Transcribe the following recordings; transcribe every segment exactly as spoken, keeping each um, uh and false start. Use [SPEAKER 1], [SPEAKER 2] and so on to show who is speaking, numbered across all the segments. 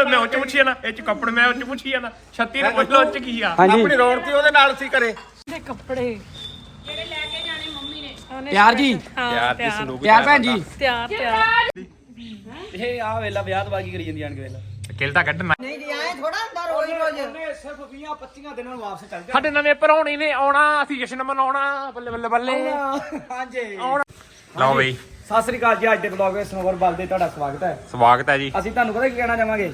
[SPEAKER 1] ਮੈਂ ਉੱਚ ਪੁੱਛੀ ਨਾ ਇਹ ਚ ਕੱਪੜੇ ਮੈਂ ਉੱਚ ਪੁੱਛੀ ਨਾ ਛੱਤੀ ਨੂੰ ਪੁੱਛ ਲੋ ਉੱਚ ਕੀ ਆ
[SPEAKER 2] ਆਪਣੀ ਰੌਣਕੀ ਉਹਦੇ ਨਾਲ ਸੀ ਘਰੇ
[SPEAKER 3] ਦੇ ਕੱਪੜੇ ਜਿਹੜੇ ਲੈ ਕੇ ਜਾਣੇ ਮੰਮੀ ਨੇ
[SPEAKER 2] ਤਿਆਰ ਜੀ
[SPEAKER 1] ਯਾਰ ਦੀ ਸੰਦੂਕ
[SPEAKER 2] ਤਿਆਰ ਭੈਣ ਜੀ
[SPEAKER 3] ਤਿਆਰ ਤਿਆਰ
[SPEAKER 2] ਇਹ ਆ ਵੇਲਾ ਵਿਆਹ ਤੋਂ ਬਾਕੀ ਕਰੀ ਜਾਂਦੀ ਆਣ ਕੇ ਵੇਲਾ
[SPEAKER 1] ਕਿਲਤਾ ਕੱਢਣਾ
[SPEAKER 4] ਨਹੀਂ ਜੀ ਐ ਥੋੜਾ ਹੁੰਦਾ ਰੋਜ਼ ਰੋਜ਼
[SPEAKER 2] ਉਹਨੇ ਸਿਰਫ ਵੀਹ ਪੱਚੀ ਦਿਨਾਂ ਨੂੰ ਵਾਪਸ ਚੱਲ
[SPEAKER 1] ਸਾਡੇ ਨਵੇਂ ਭਰਾਉਣੀ ਨੇ ਆਉਣਾ ਅਸੀਂ ਜਸ਼ਨ ਮਨਾਉਣਾ ਬੱਲੇ ਬੱਲੇ ਬੱਲੇ
[SPEAKER 2] ਜਾਣਾ ਹਾਂਜੀ
[SPEAKER 1] ਲਓ ਬਈ
[SPEAKER 2] ਸਤਿ ਸ੍ਰੀ ਅਕਾਲ ਜੀ। ਅੱਜ ਦੇ ਬਲੌਗ ਵਿੱਚ ਸਨੋਵਰ ਬਲ ਦੇ ਤੁਹਾਡਾ ਸਵਾਗਤ ਹੈ।
[SPEAKER 1] ਸਵਾਗਤ ਹੈ ਜੀ।
[SPEAKER 2] ਅਸੀਂ ਤੁਹਾਨੂੰ ਪਤਾ ਕੀ ਕਹਿਣਾ ਚਾਹਾਂਗੇ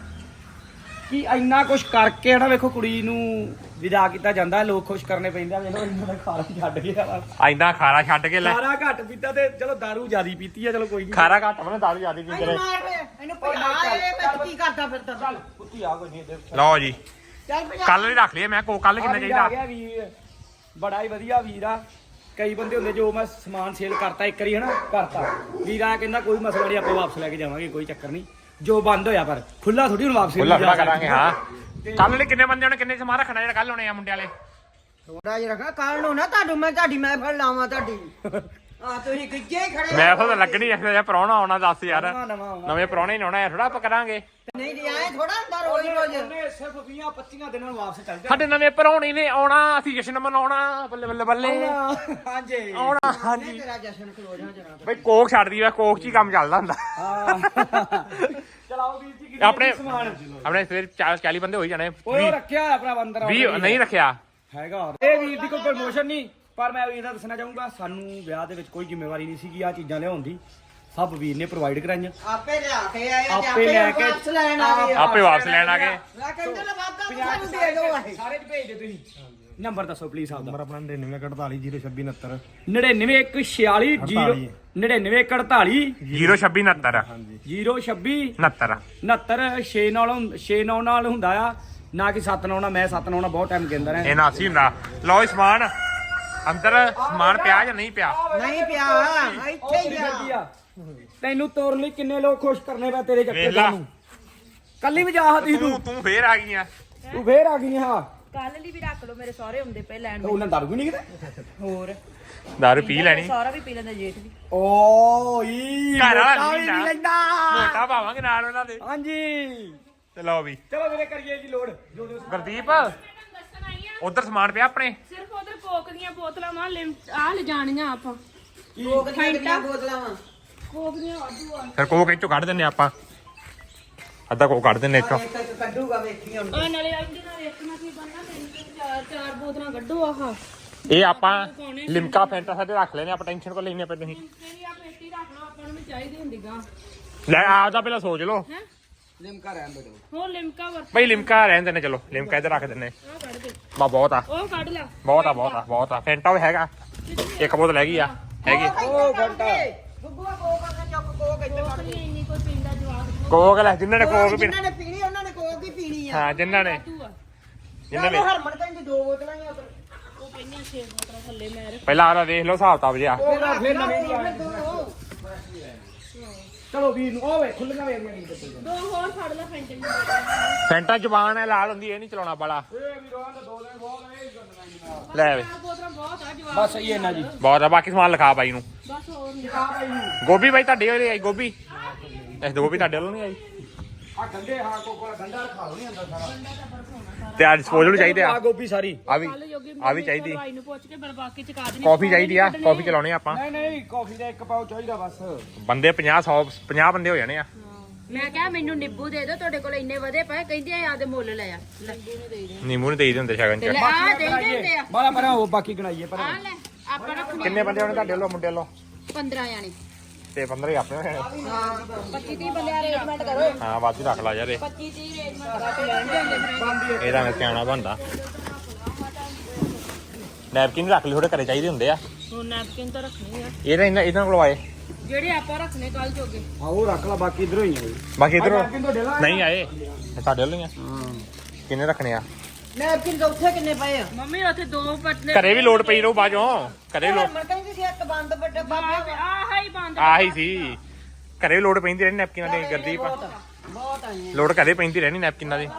[SPEAKER 2] ਕਿ ਇੰਨਾ ਕੁਝ ਕਰਕੇ ਨਾ ਵੇਖੋ ਕੁੜੀ ਨੂੰ ਵਿਦਾ ਕੀਤਾ ਜਾਂਦਾ, ਲੋਕ ਖੁਸ਼ ਕਰਨੇ ਪੈਂਦੇ ਆ। ਵੇਖੋ ਇਹਨਾਂ ਦਾ ਖਾਰਾ ਛੱਡ ਗਿਆ,
[SPEAKER 1] ਐਂਦਾ ਖਾਰਾ ਛੱਡ ਕੇ ਲੈ
[SPEAKER 2] ਖਾਰਾ ਘੱਟ ਪੀਤਾ ਤੇ ਚਲੋ ਦਾਰੂ ਜ਼ਿਆਦੀ ਪੀਤੀ ਆ, ਚਲੋ ਕੋਈ ਨਹੀਂ।
[SPEAKER 1] ਖਾਰਾ ਘੱਟ ਬਣਾ ਦਾਰੂ ਜਿਆਦੀ ਪੀ
[SPEAKER 4] ਇਹਨੂੰ ਮਾਰ ਵੇ ਇਹਨੂੰ ਭਜਾ ਇਹ ਮੈਂ ਕੀ ਕਰਦਾ ਫਿਰਦਾ ਚੱਲ
[SPEAKER 2] ਕੁੱਤੀ ਆ ਕੋਈ ਨਹੀਂ।
[SPEAKER 1] ਲਓ ਜੀ
[SPEAKER 4] ਚੱਲ ਭਜਾ
[SPEAKER 1] ਕੱਲ ਵੀ ਰੱਖ ਲਿਆ ਮੈਂ ਕੋ ਕੱਲ ਕਿੰਨਾ ਚਾਹੀਦਾ
[SPEAKER 2] ਆ ਗਿਆ ਵੀਰ, ਬੜਾ ਹੀ ਵਧੀਆ ਵੀਰ ਆ। ਕਈ ਬੰਦੇ ਹੁੰਦੇ ਜੋ ਮੈਂ ਸਮਾਨ ਸੇਲ ਕਰਤਾ ਇੱਕ ਵਾਰੀ ਹਨਾ ਕਰਤਾ ਵੀਰ ਆ ਕਹਿੰਦਾ ਕੋਈ ਮਸਲਾ ਨਹੀਂ, ਆਪਾਂ ਵਾਪਸ ਲੈ ਕੇ ਜਾਵਾਂਗੇ, ਕੋਈ ਚੱਕਰ ਨਹੀਂ। ਜੋ ਬੰਦ ਹੋਇਆ ਪਰ ਖੁੱਲਾ ਥੋੜੀ ਹੁਣ ਵਾਪਸ
[SPEAKER 1] ਖੁੱਲਾ ਖੁੱਲਾ ਕਰਾਂਗੇ। ਹਾਂ ਕੱਲ ਨੇ ਕਿੰਨੇ ਬੰਦੇ ਹੋਣੇ, ਕਿੰਨੇ ਸਮਾਨ ਰੱਖਣਾ ਜਿਹੜਾ ਕੱਲ ਹੋਣੇ ਆ ਮੁੰਡੇ ਵਾਲੇ?
[SPEAKER 4] ਥੋੜਾ ਜਿਹਾ ਰੱਖਾ ਕੱਲ ਨੂੰ ਨਾ ਤੁਹਾਨੂੰ ਮੈਂ ਤੁਹਾਡੀ ਮੈਂ ਫੜ ਲਾਵਾਂ ਤੁਹਾਡੀ ਆ ਤੁਸੀਂ ਗਿੱਜੇ ਹੀ ਖੜੇ
[SPEAKER 1] ਮੈਂ ਤਾਂ ਲੱਗਣੀ ਐ ਜਿਹਾ ਪ੍ਰਾਹੁਣਾ ਆਉਣਾ ਦੱਸ ਯਾਰ,
[SPEAKER 2] ਨਵਾਂ ਨਵਾਂ ਆਉਣਾ।
[SPEAKER 1] ਨਵੇਂ ਪ੍ਰਾਹੁਣੇ ਨਹੀਂ ਆਉਣਾ ਐ ਥੋੜਾ ਆਪਾਂ ਕਰਾਂਗੇ।
[SPEAKER 4] ਨਹੀਂ ਜੀ ਐ ਥੋੜਾ ਹੁੰਦਾ ਰੋਜ਼ ਰੋਜ਼
[SPEAKER 2] ਉਹਨੇ ਸਿਰਫ ਵੀਹ ਪੱਚੀ ਦਿਨਾਂ ਨੂੰ ਵਾਪਸ ਚੱਲ
[SPEAKER 1] ਸਾਡੇ ਨਵੇਂ ਭਰਾਉਣੀ ਨੇ ਆਉਣਾ ਅਸੀਂ ਜਸ਼ਨ ਮਨਾਉਣਾ ਬੱਲੇ ਬੱਲੇ ਬੱਲੇ
[SPEAKER 2] ਜਾਣਾ। ਹਾਂਜੀ
[SPEAKER 1] ਆਉਣਾ। ਹਾਂਜੀ
[SPEAKER 4] ਤੇਰਾ ਜਸ਼ਨ ਖਲੋ ਜਾ ਜਰਾ
[SPEAKER 1] ਬਈ ਕੋਕ ਛੱਡਦੀ ਵਾ, ਕੋਕ ਚ ਹੀ ਕੰਮ ਚੱਲਦਾ ਹੁੰਦਾ।
[SPEAKER 2] ਹਾਂ ਚਲਾਓ ਵੀਰ ਜੀ।
[SPEAKER 1] ਆਪਣੇ
[SPEAKER 2] ਸਮਾਨ
[SPEAKER 1] ਆਪਣੇ ਫਿਰ ਚਾਲੀ ਬੰਦੇ ਹੋਈ ਜਾਣੇ।
[SPEAKER 2] ਉਹ ਰੱਖਿਆ ਆਪਣਾ ਬੰਦਰ
[SPEAKER 1] ਵੀਹ ਨਹੀਂ ਰੱਖਿਆ
[SPEAKER 2] ਹੈਗਾ। ਇਹ ਵੀਰ ਦੀ ਕੋਈ ਪ੍ਰਮੋਸ਼ਨ ਨਹੀਂ, ਪਰ ਮੈਂ ਵੀਰ ਦਾ ਦੱਸਣਾ ਚਾਹੂੰਗਾ ਸਾਨੂੰ ਵਿਆਹ ਦੇ ਵਿੱਚ ਕੋਈ ਜ਼ਿੰਮੇਵਾਰੀ ਨਹੀਂ ਸੀਗੀ ਆ ਚੀਜ਼ਾਂ ਲਿਆਉਣ ਦੀ, ਸਭ ਵੀਰ ਨੇ ਪ੍ਰੋਵਾਈਡ ਕਰਾਈਆਂ।
[SPEAKER 4] ਆਪੇ ਲਿਆ ਕੇ ਆਏ ਤੇ
[SPEAKER 2] ਆਪੇ ਲੈ ਕੇ
[SPEAKER 4] ਵਾਪਸ ਲੈਣ ਆ ਗਏ
[SPEAKER 1] ਆਪੇ ਵਾਪਸ ਲੈਣ ਆ ਗਏ।
[SPEAKER 4] ਮੈਂ ਕਹਿੰਦਾ ਲਵਾਦਾ ਤੁਹਾਨੂੰ ਦੇ ਦਿਓ ਇਹ
[SPEAKER 2] ਸਾਰੇ ਚ ਭੇਜ ਦੇ ਤੁਸੀਂ। ਨੰਬਰ ਦੱਸੋ ਪਲੀਜ਼ ਆਪਦਾ।
[SPEAKER 5] ਨੰਬਰ ਆਪਣਾ ਨੜਿਨਵੇਂ ਇੱਕ ਅੜਤਾਲੀ ਜ਼ੀਰੋ ਛੱਬੀ ਉਨੱਤਰ
[SPEAKER 2] ਨੜਿਨਵੇਂ ਇੱਕ ਛਿਆਲੀ ਜ਼ੀਰੋ ਨੜਿਨਵੇਂ ਇੱਕ ਅੜਤਾਲੀ
[SPEAKER 1] ਜ਼ੀਰੋ ਛੱਬੀ ਉਨੱਤਰ
[SPEAKER 2] ਜ਼ੀਰੋ ਛੱਬੀ
[SPEAKER 1] ਉਨੱਤਰ
[SPEAKER 2] ਉਨੱਤਰ ਛੇ ਨਾਲ ਛੇ ਨੌ ਨਾਲ ਹੁੰਦਾ ਆ, ਨਾ ਕਿ ਸੱਤ ਨੌ ਨਾਲ। ਮੈਂ ਸੱਤ ਨੌ ਨਾਲ ਬਹੁਤ ਟਾਈਮ ਕਹਿੰਦਾ ਰਿਹਾ।
[SPEAKER 1] ਇਹ ਨਾਸੀ ਹੁੰਦਾ। ਲਓ ਇਹ ਸਮਾਨ ਅੰਦਰ ਸਮਾਨ ਪਿਆ ਜਾਂ ਨਹੀਂ ਪਿਆ?
[SPEAKER 4] ਨਹੀਂ ਪਿਆ ਇੱਥੇ ਹੀ ਆ।
[SPEAKER 2] ਤੈਨੂੰ ਤੋਰਨ ਲਈ ਕਿੰਨੇ ਲੋਕ ਖੁਸ਼ ਕਰਨੇ ਪਏ ਤੇਰੇ ਚੱਕਰ
[SPEAKER 1] ਵੇਖ ਲਾ।
[SPEAKER 2] ਨੂੰ। ਕੱਲੀ ਵਜਾ ਹਤੀ ਤੂੰ
[SPEAKER 1] ਤੂੰ ਤੂੰ ਫੇਰ ਆ ਗਈ ਆ।
[SPEAKER 2] ਤੂੰ ਫੇਰ ਆ ਗਈ ਹਾਂ।
[SPEAKER 3] ਕੱਲ ਲਈ ਵੀ ਰੱਖ ਲਓ, ਮੇਰੇ ਸਹੁਰੇ ਹੁੰਦੇ ਪਏ ਲੈਣ
[SPEAKER 2] ਤੇ ਉਹਨਾਂ ਦਾਰੂ ਵੀ ਨਹੀਂ ਕਿਤੇ
[SPEAKER 3] ਹੋਰ
[SPEAKER 1] ਦਾਰੂ ਪੀ ਲੈਣੀ।
[SPEAKER 3] ਸਹੁਰਾ ਵੀ ਪੀ ਲੈਂਦਾ, ਜੇਠ ਵੀ।
[SPEAKER 2] ਓ ਈ
[SPEAKER 1] ਘਰ ਵਾਲਾ
[SPEAKER 2] ਮੋਟਾ ਵੀ
[SPEAKER 1] ਨਹੀਂ
[SPEAKER 2] ਨਹੀਂ ਲੈਂਦਾ।
[SPEAKER 1] ਮੋਟਾ ਪਾਵਾਂਗੇ ਨਾਲ ਉਹਨਾਂ ਦੇ।
[SPEAKER 2] ਹਾਂਜੀ
[SPEAKER 1] ਤੇ ਲਓ ਵੀ
[SPEAKER 2] ਚਲੋ ਵੀਰੇ ਕਰੀਏ ਜੀ ਲੋਡ ਜੋ ਜੋ
[SPEAKER 1] ਗੁਰਦੀਪ ਉਧਰ ਸਮਾਨ ਪਿਆ ਆਪਣੇ।
[SPEAKER 3] ਸਿਰਫ ਉਧਰ ਕੋਕ ਦੀਆਂ ਬੋਤਲਾਂ ਮਾਂ ਆ ਲੈ ਜਾਣੀਆਂ ਆਪਾਂ।
[SPEAKER 4] ਕੋਕ ਦੀਆਂ ਕਿੰਨੀਆਂ ਬੋਤਲਾਂ ਵਾ
[SPEAKER 3] ਕੋਕ ਦੀਆਂ ਵਾਧੂ ਆ।
[SPEAKER 1] ਫਿਰ ਕੋਕ ਇੱਥੋਂ ਕੱਢ ਦਿੰਨੇ ਆਪਾਂ, ਅੱਧਾ ਕੋਕ ਕੱਢ ਦਿੰਨੇ ਇੱਥੋਂ।
[SPEAKER 4] ਇੱਕ ਇੱਕ ਕੱਢੂਗਾ ਵੇਖੀ ਹੁਣ
[SPEAKER 3] ਆ ਨਾਲੇ ਇਹਦੇ ਨਾਲ ਵੇਖਣਾ ਕੀ ਬੰਨਾ, ਤਿੰਨ ਤਿੰਨ ਚਾਰ ਚਾਰ ਬੋਤਲਾਂ ਕੱਢੋ। ਆਹ
[SPEAKER 1] ਇਹ ਆਪਾਂ ਲਿਮਕਾ ਫੈਂਟਾ ਸਾਡੇ ਰੱਖ ਲੈਨੇ, ਆਪਾਂ ਟੈਨਸ਼ਨ ਕੋ ਲੈਨੇ ਪਏ ਤੁਸੀਂ।
[SPEAKER 3] ਤੇਰੀ ਆ ਪੇਟੀ ਰੱਖ ਲਓ, ਆਪਾਂ ਨੂੰ ਵੀ ਚਾਹੀਦੀ ਹੁੰਦੀ ਗਾ।
[SPEAKER 1] ਲੈ ਆਪਦਾ ਪਹਿਲਾਂ ਸੋਚ ਲਓ।
[SPEAKER 3] ਹੈ
[SPEAKER 2] ਲਿਮਕਾ ਰਹਿਣ ਦੋ।
[SPEAKER 3] ਹੋਰ ਲਿਮਕਾ ਵਰਤ
[SPEAKER 1] ਬਈ ਲਿਮਕਾ ਰਹਿਣ ਦਿੰਨੇ, ਚਲੋ ਲਿਮਕਾ ਇੱਧਰ ਰੱਖ ਦਿੰਨੇ।
[SPEAKER 3] ਆ ਕੱਢ ਦੇ,
[SPEAKER 1] ਬਾ ਬਹੁਤ ਆ
[SPEAKER 3] ਉਹ ਕੱਢ ਲੈ।
[SPEAKER 1] ਬਹੁਤ ਆ ਬਹੁਤ ਆ ਬਹੁਤ ਆ। ਫੈਂਟਾ ਵੀ ਹੈਗਾ, ਇੱਕ ਬੋਤਲ ਹੈਗੀ ਆ ਹੈਗੀ।
[SPEAKER 4] ਉਹ ਘੰਟਾ ਗੁੱਗੂਆ ਕੋਕ ਆ ਚੁੱਕ ਕੋਕ ਇੱਥੇ
[SPEAKER 3] ਕੋਕ ਨਹੀਂ ਇੰਨੀ ਕੋਈ ਪੀਂਦਾ ਜਵਾਕ।
[SPEAKER 1] ਕੋਕ ਲੈ ਜਿੰਨਾਂ ਨੇ ਕੋਕ ਪੀਣਾ।
[SPEAKER 4] ਜਿਨ੍ਹਾਂ ਨੇ ਪੀਣੀ ਉਹਨਾਂ ਨੇ ਕੋਕ ਹੀ ਪੀਣੀ ਆ।
[SPEAKER 1] ਹਾਂ ਜਿੰਨਾਂ ਨੇ
[SPEAKER 3] ਤੂੰ ਆ
[SPEAKER 1] ਜਿੰਨਾਂ ਨੇ
[SPEAKER 4] ਹਰਮਨ ਕਹਿੰਦੀ ਦੋ ਬੋਤਲਾਂ ਹੀ ਆ ਉੱਧਰ।
[SPEAKER 3] ਉਹ ਕਹਿੰਦੀਆਂ ਛੇ ਬੋਤਲਾਂ ਥੱਲੇ ਮੈਂ ਰੱਖ।
[SPEAKER 1] ਪਹਿਲਾਂ ਆਹ ਵੇਖ ਲਓ ਹਿਸਾਬ ਤਾਬ ਜਿਆ।
[SPEAKER 2] ਉਹ ਰੱਖ ਲੈ ਨਵੇਂ ਦੀ ਆ।
[SPEAKER 4] ਦੋ
[SPEAKER 2] ਚਲੋ ਵੀਰ ਨੂੰ ਓਏ ਖੁੱਲੀਆਂ ਵੇਖੀਆਂ ਨਹੀਂ ਤੇ
[SPEAKER 3] ਦੋ ਹੋਰ ਫੜ ਲੈ ਫੈਂਟੇ ਦੀ ਬੋਤਲ।
[SPEAKER 1] ਫੈਂਟਾ ਜ਼ਬਾਨ ਹੈ ਲਾਲ ਹੁੰਦੀ, ਇਹ ਨਹੀਂ ਚਲਾਉਣਾ ਬਾਲਾ।
[SPEAKER 2] ਇਹ ਵੀ ਰੋਣ ਦਾ ਦੋ ਦਿਨ ਬਹੁਤ ਇਹ ਗੰਦਣਾ
[SPEAKER 1] ਲੈ ਵੇ
[SPEAKER 3] ਚਾਰ ਬੋਤਲਾਂ ਬਹੁਤ ਆ ਜਵਾਕ।
[SPEAKER 2] ਬਸ ਇਹ ਨਾ ਜੀ।
[SPEAKER 1] ਬਹੁਤ ਆ। ਬਾਕੀ ਸਮਾਨ ਲਿਖਾ ਬਾਈ ਨੂੰ।
[SPEAKER 3] ਬਸ ਹੋਰ ਨਹੀਂ।
[SPEAKER 1] ਗੋਭੀ ਬਾਈ ਤੁਹਾਡੇ ਵਾਲੀ ਆਈ ਗੋਭੀ? ਇਸ ਗੋਭੀ ਤੁਹਾਡੇ ਵੱਲੋਂ ਨਹੀਂ ਆਈ?
[SPEAKER 2] ਆ ਗੰਡੇ ਹਾਂ ਕੋਕਾ ਗੰਡਾ ਖਾ ਲੋ ਨਹੀਂ ਅੰਦਰ ਸਾਰਾ।
[SPEAKER 1] ਤੇ ਆ ਡਿਸਪੋਜ਼ਲ ਚਾਹੀਦੇ ਆ।
[SPEAKER 2] ਆ ਗੋਭੀ ਸਾਰੀ।
[SPEAKER 1] ਆ ਵੀ
[SPEAKER 3] ਕੱਲ ਜੋਗੀ
[SPEAKER 1] ਆ ਵੀ ਚਾਹੀਦੀ।
[SPEAKER 3] ਭਾਈ ਨੂੰ ਪੁੱਛ ਕੇ ਫਿਰ ਬਾਕੀ ਚ ਕਾ ਦੇਣੀ।
[SPEAKER 1] ਕਾਫੀ ਚਾਹੀਦੀ ਆ, ਕਾਫੀ ਚਲਾਉਣੀ ਆ ਆਪਾਂ।
[SPEAKER 2] ਨਹੀਂ ਨਹੀਂ ਕਾਫੀ ਦਾ ਇੱਕ ਪਾਉ ਚਾਹੀਦਾ ਬਸ।
[SPEAKER 1] ਬੰਦੇ ਪੰਜਾਹ ਸੌ ਪੰਜਾਹ ਬੰਦੇ ਹੋ ਜਾਣੇ ਆ।
[SPEAKER 3] ਮੈਂ ਕਿਹਾ ਮੈਨੂੰ ਨਿੰਬੂ ਦੇ ਦਿਓ, ਤੁਹਾਡੇ ਕੋਲ ਇੰਨੇ ਵਧੇ ਪਏ। ਕਹਿੰਦੇ ਆ ਆਦੇ ਮੁੱਲ ਲੈ ਆ। ਲੈ
[SPEAKER 1] ਨਿੰਮੂ ਨੂੰ ਦੇ ਹੀ ਦਿੰਦੇ ਸ਼ਗਨ
[SPEAKER 3] ਤੇ ਲੈ
[SPEAKER 1] ਚ।
[SPEAKER 3] ਆ ਦੇ ਦਿੰਦੇ ਆ।
[SPEAKER 2] ਬਾਲਾ ਪਰਾਂ ਉਹ ਬਾਕੀ ਗਣਾਈਏ ਪਰ
[SPEAKER 3] ਆ ਲੈ ਆਪਾਂ ਰੱਖਣੇ
[SPEAKER 1] ਕਿੰਨੇ ਬੰਦੇ ਹੋਣੇ ਤੁਹਾਡੇ ਵੱਲੋਂ ਮੁੰਡੇ ਵੱਲੋਂ?
[SPEAKER 3] ਪੰਦਰਾਂ ਜਾਣੇ।
[SPEAKER 1] ਤੇ ਪੰਦਰਾਂ ਹੀ ਆਪਣੇ ਹੋਣੇ।
[SPEAKER 3] ਪੱਚੀ ਤੀਹ ਬੰਦੇ ਅਰੇਂਜਮੈਂਟ ਕਰੋ।
[SPEAKER 1] ਹਾਂ ਵੱਧ ਹੀ ਰੱਖ ਲਾ ਯਾਰ ਇਹ।
[SPEAKER 3] ਪੱਚੀ ਤੀਹ ਅਰੇਂਜਮੈਂਟ
[SPEAKER 1] ਇਹਦਾ ਮੈਂ ਸਿਆਣਾ ਬਣਦਾ। ਨੈਪਕਿਨ ਰੱਖ ਲਈ, ਥੋੜੇ ਘਰੇ ਚਾਹੀਦੇ ਹੁੰਦੇ ਆ।
[SPEAKER 3] ਹੁਣ ਨੈਪਕਿਨ ਤਾਂ ਰੱਖਣੇ ਆ
[SPEAKER 1] ਇਹਦਾ ਇਹਨਾਂ ਇਹਨਾਂ ਕੋਲ ਆਏ।
[SPEAKER 3] ਜਿਹੜੇ ਆਪਾਂ ਰੱਖਣੇ ਕੱਲ ਜੋਗੇ।
[SPEAKER 2] ਆ ਉਹ ਰੱਖ ਲਾ, ਬਾਕੀ ਇਧਰੋਂ ਹੀ ਆ ਬਈ।
[SPEAKER 1] ਬਾਕੀ ਇਧਰੋਂ
[SPEAKER 2] ਨੈਪਕਿਨ ਤੁਹਾਡੇ ਨਾਲ
[SPEAKER 1] ਨਹੀਂ ਆਏ, ਇਹ ਸਾਡੇ ਵੱਲੋਂ ਹੀ ਆ। ਕਿੰਨੇ ਰੱਖਣੇ ਆ?
[SPEAKER 4] ਨੈਪਕਿਨ ਤਾਂ ਉੱਥੇ ਕਿੰਨੇ ਪਏ ਆ?
[SPEAKER 3] ਮੰਮੀ ਉੱਥੇ ਦੋ ਪਟਲੇ
[SPEAKER 1] ਘਰੇ ਵੀ ਲੋਡ ਪਈ ਰਹੂ ਬਾਜੋਂ। ਘਰੇ ਲੋਡ
[SPEAKER 4] ਹਰਮਨ ਕਹਿੰਦੀ ਸੀ ਇੱਕ ਬੰਦ ਵੱਡੇ ਬਾਬੇ
[SPEAKER 3] ਆਹ ਹੀ ਬੰਦ।
[SPEAKER 1] ਆਹੀ ਸੀ, ਘਰੇ ਵੀ ਲੋਡ ਪੈਂਦੀ ਰਹਿਣੀ ਨੈਪਕਿਨਾਂ ਦੀ। ਗਰਦੀਪ
[SPEAKER 4] ਬਹੁਤ ਆਈਆਂ।
[SPEAKER 1] ਲੋਡ ਘਰੇ ਪੈਂਦੀ ਰਹਿਣੀ ਨੈਪਕਿਨਾਂ ਦੀ।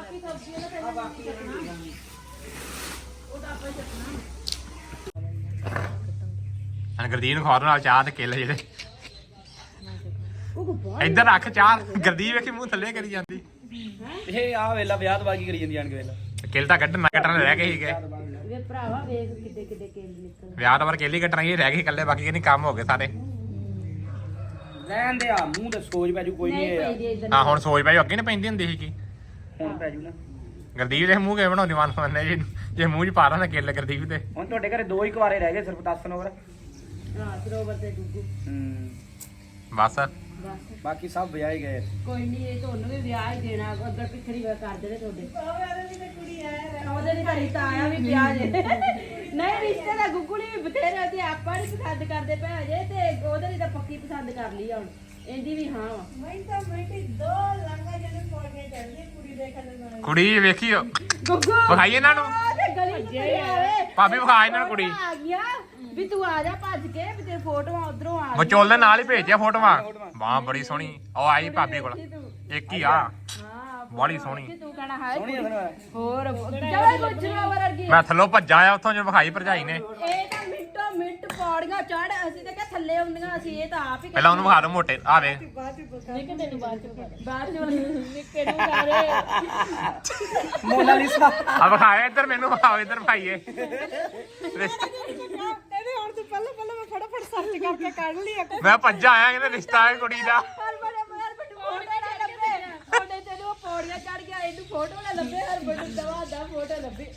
[SPEAKER 1] ਹਾਂ ਗਰਦੀਪ ਨੂੰ ਖਵਾ ਦੋ ਨਾਲ ਚਾਹ ਤੇ ਕੇਲੇ ਜਿਹੜੇ। ਇੱਧਰ ਰੱਖ ਚਾਹ। ਗਰਦੀਪ ਵੇਖੀ ਮੂੰਹ ਥੱਲੇ ਕਰੀ ਜਾਂਦੀ।
[SPEAKER 2] ਇਹ ਆ ਵੇਲਾ ਵਿਆਹ ਤੋਂ ਬਾਕੀ ਕਰੀ ਜਾਂਦੀ ਆਣ ਕੇ ਵੇਲਾ
[SPEAKER 1] ਕਿੱਲ ਤਾਂ ਕੱਢਣਾ ਕੱਟਣ ਰਹਿ ਗਏ ਸੀਗੇ
[SPEAKER 3] ਵੇ ਭਰਾਵਾ ਵੇਖ ਕਿੱਡੇ ਕਿੱਡੇ ਕੇਲ ਨਿਕਲ
[SPEAKER 1] ਵਿਆਹ ਤੋਂ ਬਾਅਦ ਕੇਲੀ ਕੱਟਣਾ ਹੀ ਰਹਿ ਗਏ ਇਕੱਲੇ ਬਾਕੀ ਕਹਿੰਦੀ ਕੰਮ ਹੋ ਗਏ ਸਾਰੇ
[SPEAKER 2] ਰਹਿਣ ਦੇ ਆ ਮੂੰਹ ਤੇ ਸੋਜ ਪੈ ਜੂ ਕੋਈ ਨਹੀਂ
[SPEAKER 3] ਨਹੀਂ
[SPEAKER 2] ਇਹ
[SPEAKER 3] ਪਈ ਇਧਰ
[SPEAKER 1] ਹਾਂ ਹੁਣ ਸੋਚ ਭਾਈ ਅੱਗੇ ਨਾ ਪੈਂਦੀ ਹੁੰਦੀ ਸੀ ਕੀ
[SPEAKER 2] ਹੁਣ ਪੈ ਜੂ ਨਾ
[SPEAKER 1] ਗੁਰਦੀਪ ਦੇ ਮੂੰਹ ਕਿਵੇਂ ਬਣਾਉਂਦੀ ਮਨ ਮੰਨੇ ਜੀ ਜੇ ਮੂੰਹ 'ਚ ਪਾ ਦਾਂ ਨਾ ਕਿੱਲ ਗੁਰਦੀਪ ਦੇ
[SPEAKER 2] ਹੁਣ ਤੁਹਾਡੇ ਘਰੇ ਦੋ ਹੀ ਕੁਆਰੇ ਰਹਿ ਗਏ ਸਿਰਫ ਦਸ ਨੰਬਰ
[SPEAKER 3] ਹਾਂ ਸਰੋਵਰ ਤੇ ਡੁੱਗੂ
[SPEAKER 2] ਹੂੰ
[SPEAKER 1] ਬਸ
[SPEAKER 3] ਬਸ
[SPEAKER 2] ਬਾਕੀ ਸਭ ਵਿਆਹੇ ਗਏ
[SPEAKER 3] ਕੋਈ ਨਹੀਂ ਇਹ ਤੁਹਾਨੂੰ ਵੀ ਵਿਆਹ ਹੀ ਦੇਣਾ ਉਧਰ ਪਿੱਛੜੀ ਵਾ ਕਰ ਦੇਣੇ ਤੁਹਾਡੇ ਉਹਦੇ ਵੀ ਤੇ ਕੁੜੀ ਆਇਆ ਉਹਦੇ ਵੀ ਘਰੀ ਤਾਂ ਆਇਆ ਵੀ ਵਿਆਹ ਜੇ ਨਹੀਂ ਰਿਸ਼ਤੇ ਦਾ ਗੁੱਗੂ ਵੀ ਬਥੇਰੇ ਤੇ ਆਪਾਂ ਨਹੀਂ ਪਸੰਦ ਕਰਦੇ ਪਏ ਹਜੇ ਤੇ ਉਹਦੇ ਲਈ ਤਾਂ ਪੱਕੀ ਪਸੰਦ ਕਰ ਲਈ ਹੁਣ ਇਹਦੀ ਵੀ ਹਾਂ ਵਾ
[SPEAKER 1] ਕੁੜੀ ਵੇਖੀਓ
[SPEAKER 3] ਗੁੱਗੂ
[SPEAKER 1] ਵਿਖਾਈ ਇਹਨਾਂ ਨੂੰ
[SPEAKER 3] ਤੇ ਗਲੀ ਚ ਖੜੀ ਆਵੇ
[SPEAKER 1] ਭਾਬੀ ਵਿਖਾ ਇਹਨਾਂ ਨੂੰ ਕੁੜੀ
[SPEAKER 3] ਆ ਗਿਆ ਵੀ ਤੂੰ ਆ ਜਾ ਭੱਜ ਕੇ ਵੀ ਤੇ ਫੋਟੋਆਂ ਉਧਰੋਂ ਆ
[SPEAKER 1] ਵਿਚੋਲ ਦੇ ਨਾਲ ਹੀ ਭੇਜਿਆ ਫੋਟੋਆਂ ਵਾਹ ਬੜੀ ਸੋਹਣੀ ਉਹ ਆਈ ਭਾਬੀ ਕੋਲ ਇੱਕ ਹੀ ਆ
[SPEAKER 3] ਹਾਂ
[SPEAKER 1] ਬੜੀ ਸੋਹਣੀ
[SPEAKER 3] ਤੂੰ ਕਹਿਣਾ ਹਾਏ
[SPEAKER 2] ਸੋਹਣੀ
[SPEAKER 3] ਕੁੜੀ।
[SPEAKER 2] ਆ
[SPEAKER 3] ਹੋਰ ਚਲੋ ਗੁਜਰਾ ਵਰਗੀ
[SPEAKER 1] ਮੈਂ ਥੱਲੋਂ ਭੱਜਾ ਆ ਉੱਥੋਂ ਜੋ ਵਿਖਾਈ ਭਰਜਾਈ ਨੇ
[SPEAKER 3] ਇਹ ਤਾਂ ਮਿੰਟੋ ਮਿੰਟ ਪੌੜੀਆਂ ਚੜ ਅਸੀਂ ਤਾਂ ਕਿਹਾ ਥੱਲੇ ਆਉਂਦੀਆਂ ਅਸੀਂ ਇਹ ਤਾਂ ਆਪ ਹੀ
[SPEAKER 1] ਪਹਿਲਾਂ ਉਹਨੂੰ ਵਿਖਾ ਦੋ ਮੋਟੇ ਆ ਵੇ
[SPEAKER 3] ਨਿੱਕੇ ਤੈਨੂੰ ਬਾਅਦ ਚ ਬਾਅਦ ਚ ਨਿੱਕੇ ਨੂੰ ਸਾਰੇ
[SPEAKER 2] ਮੋਨਾਲੀਸਾ
[SPEAKER 1] ਆ ਵਿਖਾਇਆ ਇੱਧਰ ਮੈਨੂੰ ਵਿਖਾਓ ਇੱਧਰ ਭਾਈਏ
[SPEAKER 3] ਕਹਿੰਦੇ ਹੁਣ ਤੂੰ ਪਹਿਲਾਂ ਪਹਿਲਾਂ ਮੈਂ ਫਟਾਫਟ ਸਰਚ ਕਰਕੇ ਕੱਢ ਲਿਆ
[SPEAKER 1] ਮੈਂ ਭੱਜਾ ਆਇਆ ਕਹਿੰਦੇ ਰਿਸ਼ਤਾ ਹੈ ਕੁੜੀ ਦਾ
[SPEAKER 3] ਹਰ ਬੜੇ ਮਾਰ ਬਟੂ ਫੋਟੋ ਨਾ ਲੱਭੇ ਉਹਨੇ ਤੈਨੂੰ ਉਹ ਪੌੜੀਆਂ ਚੜ ਗਿਆ ਇਹਨੂੰ ਫੋਟੋ ਨਾ ਲੱਭੇ ਹਰ ਬਟੂ ਦਵਾ ਦਾ ਫੋਟੋ ਲੱਭੇ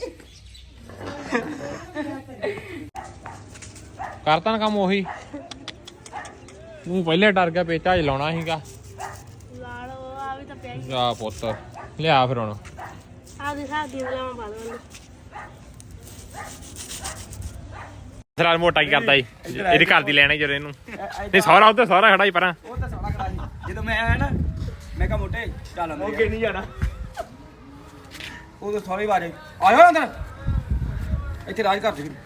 [SPEAKER 1] ਕਰਤਾ ਨਾ ਕੰਮ ਉਹੀ ਤੂੰ ਪਹਿਲੇ ਡਰ ਗਿਆ ਪੇਚਾ ਹੀ ਲਾਉਣਾ ਸੀਗਾ
[SPEAKER 6] ਲਾ ਲਓ ਆ ਵੀ ਤਾਂ ਪਿਆ ਹੀ
[SPEAKER 1] ਆ ਪੁੱਤ ਲਿਆ ਫਿਰ ਹੁਣ
[SPEAKER 6] ਆ ਦੇ ਸਾਹ ਦੀ ਲਾਵਾਂ ਪਾ ਦੋ
[SPEAKER 1] ਸਰਾਜ ਮੋਟਾ ਕੀ ਕਰਦਾ ਈ ਇਹਦੀ ਘਰ ਦੀ ਲੈਣਾ ਜਦੋਂ ਇਹਨੂੰ ਤੇ ਸਹੁਰਾ ਉੱਧਰ ਸਹੁਰਾ ਖੜਾ ਹੀ ਪਰਾਂ
[SPEAKER 2] ਉਹ ਤਾਂ ਸੋਹਣਾ ਖੜਾ ਸੀ ਜਦੋਂ ਮੈਂ ਆਇਆ ਨਾ ਮੈਂ ਕਿਹਾ ਮੋਟੇ ਚੱਲ ਅੰਦਰ ਅੱਗੇ ਨਹੀਂ ਜਾਣਾ ਉਹ ਤਾਂ ਸਾਰੇ ਬਾਰੇ ਆਇਓ ਅੰਦਰ ਇੱਥੇ ਰਾਜ ਕਰ ਜੀ